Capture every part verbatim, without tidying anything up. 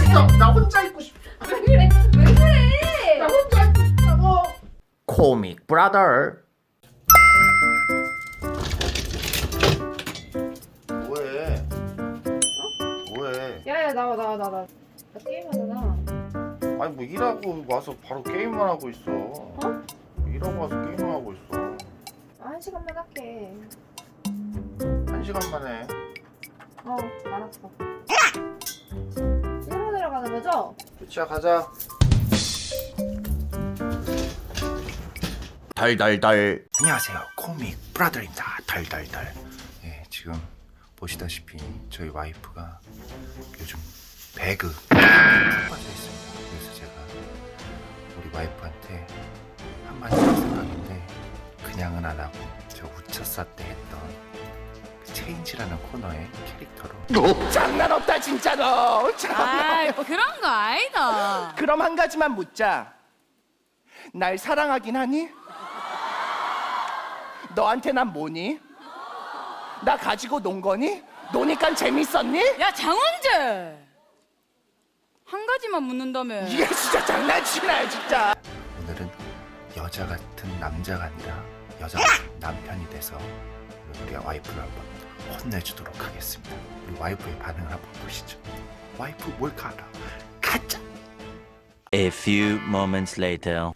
됐어. 나 혼자 있고 싶어. 왜 그래? 왜 그래? 나 혼자 있고 싶다고. 코믹 브라더. 뭐해? 뭐해? 야야 나와 나와 나와. 나 게임하잖아. 아니 뭐 일하고 와서 바로 게임만 하고 있어. 어? 일하고 와서 게임만 하고 있어. 한 시간만 할게. 한 시간 만에. 어 알았어. 일하러 내려가는 거죠? 루치야 가자. 달달달. 안녕하세요. 코믹 브라더입니다. 달달달. 예, 지금 보시다시피 저희 와이프가 요즘 배그 푹 빠져 있습니다. 그래서 제가 우리 와이프한테 한마디 할 생각인데 그냥은 안 하고 저 우차싸 때 했던 그 체인지라는 코너의 캐릭터로 장난 없다 진짜로. 아 그런 거 아니다. 그럼 한 가지만 묻자. 날 사랑하긴 하니? 너한테 난 뭐니? 나 가지고 논 거니? 노니까 재밌었니? 야 장원재 한 가지만 묻는다며. 이게 진짜 장난치나요 진짜. 오늘은 여자 같은 남자가 아니라 여자 같은 남편이 돼서 우리 와이프를 한번 혼내주도록 하겠습니다. 우리 와이프의 반응을 한번 보시죠. 와이프 뭘까 알아? 가자. A few moments later.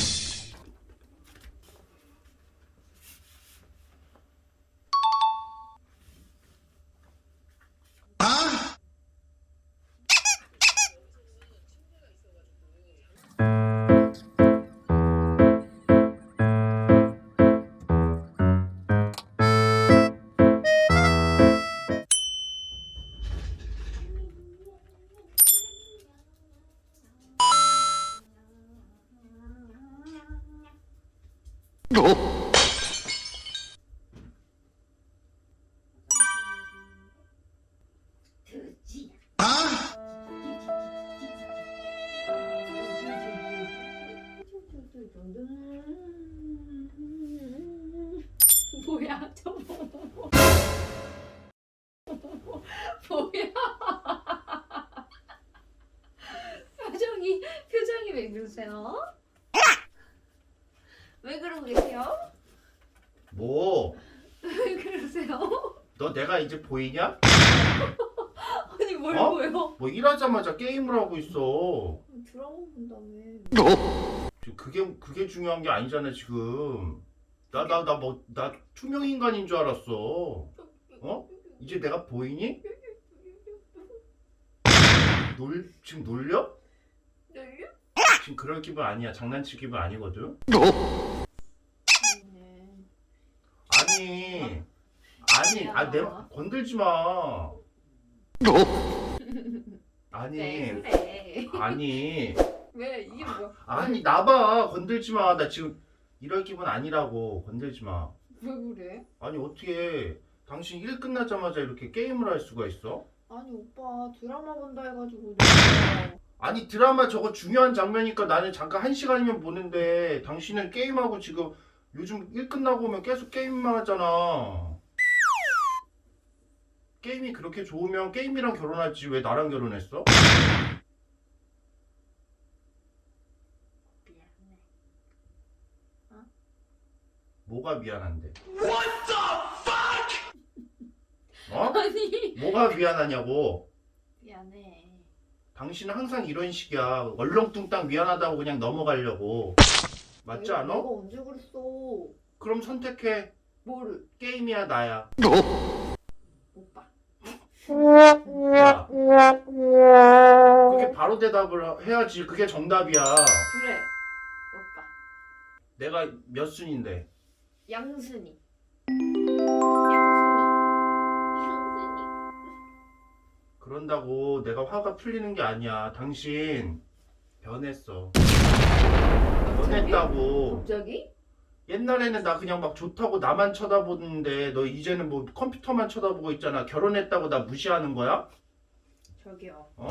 뭐야 저거? 뭐야? 표정이 표정이 왜 그러세요? 왜 그러고 계세요? 뭐? 왜 그러세요? 너 내가 이제 보이냐? 아니 뭘 어? 보여? 뭐 일하자마자 게임을 하고 있어. 드라마 본다며. 지금 그게 그게 중요한 게 아니잖아 지금. 나 나 나 뭐 나 투명 인간인 줄 알았어. 어? 이제 내가 보이니? 놀 지금 놀려? ner려? 지금 그럴 기분 아니야. 장난칠 기분 아니거든. 아니 아니 아 내 건들지 마. 아니 왜 그래? 아니 왜 이게 뭐야? 아니 나봐 건들지 마. 나 지금 이럴 기분 아니라고. 건들지 마. 왜 그래? 아니 어떻게 당신 일 끝나자마자 이렇게 게임을 할 수가 있어? 아니 오빠 드라마 본다 해가지고 내가 아니 드라마 저거 중요한 장면이니까 나는 잠깐 한 시간이면 보는데 당신은 게임하고 지금 요즘 일 끝나고 오면 계속 게임만 하잖아. 게임이 그렇게 좋으면 게임이랑 결혼하지 왜 나랑 결혼했어? 미안해. 뭐가 미안한데? 어? 아니 뭐가 미안하냐고? 미안해. 당신은 항상 이런 식이야. 얼렁뚱땅 미안하다고 그냥 넘어가려고. 맞지 내가, 않아? 내가 언제 그랬어? 그럼 선택해. 뭐를? 게임이야 나야. 오빠. 야, 그게 바로 대답을 해야지. 그게 정답이야. 그래. 오빠. 내가 몇 순인데? 양순이. 양순이. 양순이. 그런다고 내가 화가 풀리는 게 아니야. 당신 변했어. 변했다고. 갑자기? 옛날에는 나 그냥 막 좋다고 나만 쳐다보는데 너 이제는 뭐 컴퓨터만 쳐다보고 있잖아. 결혼했다고 나 무시하는 거야? 저기요. 어?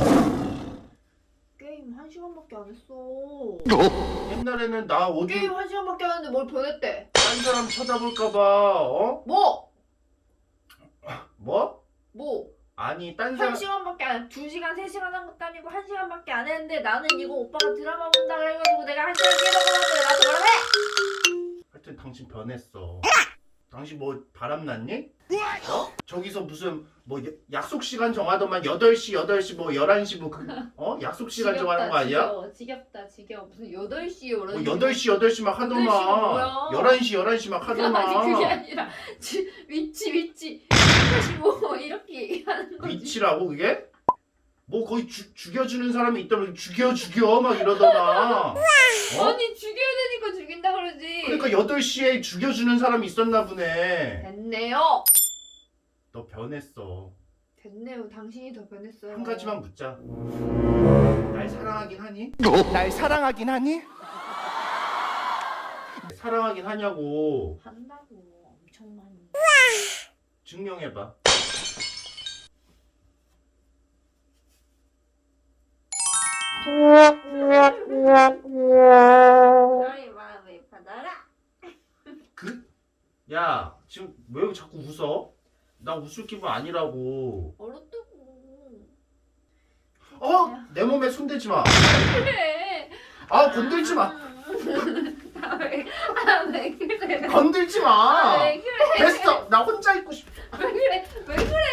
게임 한 시간밖에 안 했어. 옛날에는 나 어디 게임 한 시간밖에 안 했는데 뭘 변했대? 딴 사람 쳐다볼까봐 어? 뭐? 뭐? 뭐? 아니 아니 딴 한 사람 시간밖에 안, 두 시간, 세 시간 한 것도 아니고 한 시간밖에 안 했는데 나는 이거 오빠가 드라마 본다 그래가지고 내가 한 시간 깨닫고 나한테 나한테 뭐라 해? 하여튼 당신 변했어. 당신 뭐 바람났니? 어? 저기서 무슨 뭐 야- 약속 시간 정하더만 여덟 시, 여덟 시, 뭐 열한 시 뭐 그, 어? 약속 시간 정하는 거 아니야? 지겹다, 지겹다, 지겨워. 무슨 여덟 시에 오라. 뭐 여덟 시, 여덟 시 막 여덟 시가 하더만. 뭐야? 열한 시, 열한 시 막 아니 하더만. 그게 아니라 지, 위치 위치 이십오 이렇게 얘기하는 거지. 위치라고 그게? 뭐 거의 죽 죽여주는 사람이 있다면 죽여 죽여 막 이러더만. 어? 아니 죽여야 되니까 죽인다 그러지. 그러니까 여덟 시에 죽여주는 사람이 있었나 보네. 됐네요. 너 변했어. 됐네요. 당신이 더 변했어요. 한 가지만 묻자. 날 사랑하긴 하니? 날 사랑하긴 하니? 사랑하긴 하냐고. 한다고 엄청 많이. 증명해봐. 너의 마음을 받아라. 그? 야 지금 왜 자꾸 웃어? 나 웃을 기분 아니라고. 얼었다고. 어? 내 몸에 손대지 마. 그래. 아 건들지 마. 아왜 아, 왜 그래? 건들지 아, 마. 왜 그래? 됐어. 나 혼자 있고 싶어. 왜 그래? 왜 그래?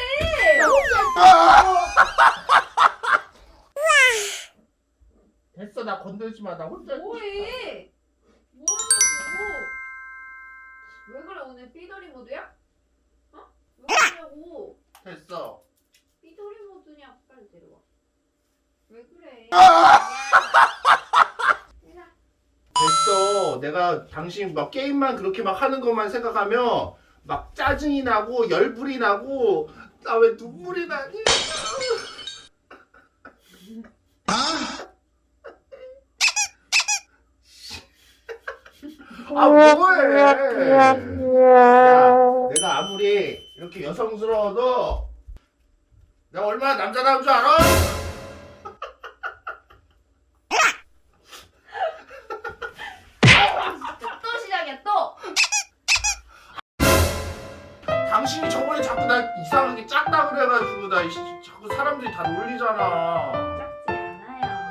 됐어. 나 건들지 마. 나 혼자 있고 싶어. 뭐해? 뭐하냐고? 왜 그래 오늘 삐더리 모드야? 어? 왜 그러냐고? 됐어. 삐더리 모드냐? 빨리 데려와. 왜 그래? 됐어. 내가 당신 막 게임만 그렇게 막 하는 것만 생각하면 막 짜증이 나고 열불이 나고 나 왜 눈물이 나니? 아 뭐해? 야, 내가 아무리 이렇게 여성스러워도 내가 얼마나 남자다운 줄 알아? 또 시작이야 또. 당신이 저번에 자꾸 나 이상하게 작다 그래가지고 나 이씨 자꾸 사람들이 다 놀리잖아. 작지 않아요.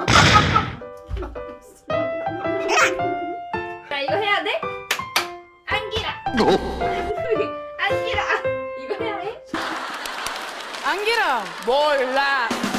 자 이거 해야 돼? 안기라. 안기라. 이거 해야 돼? 안기라. 몰라.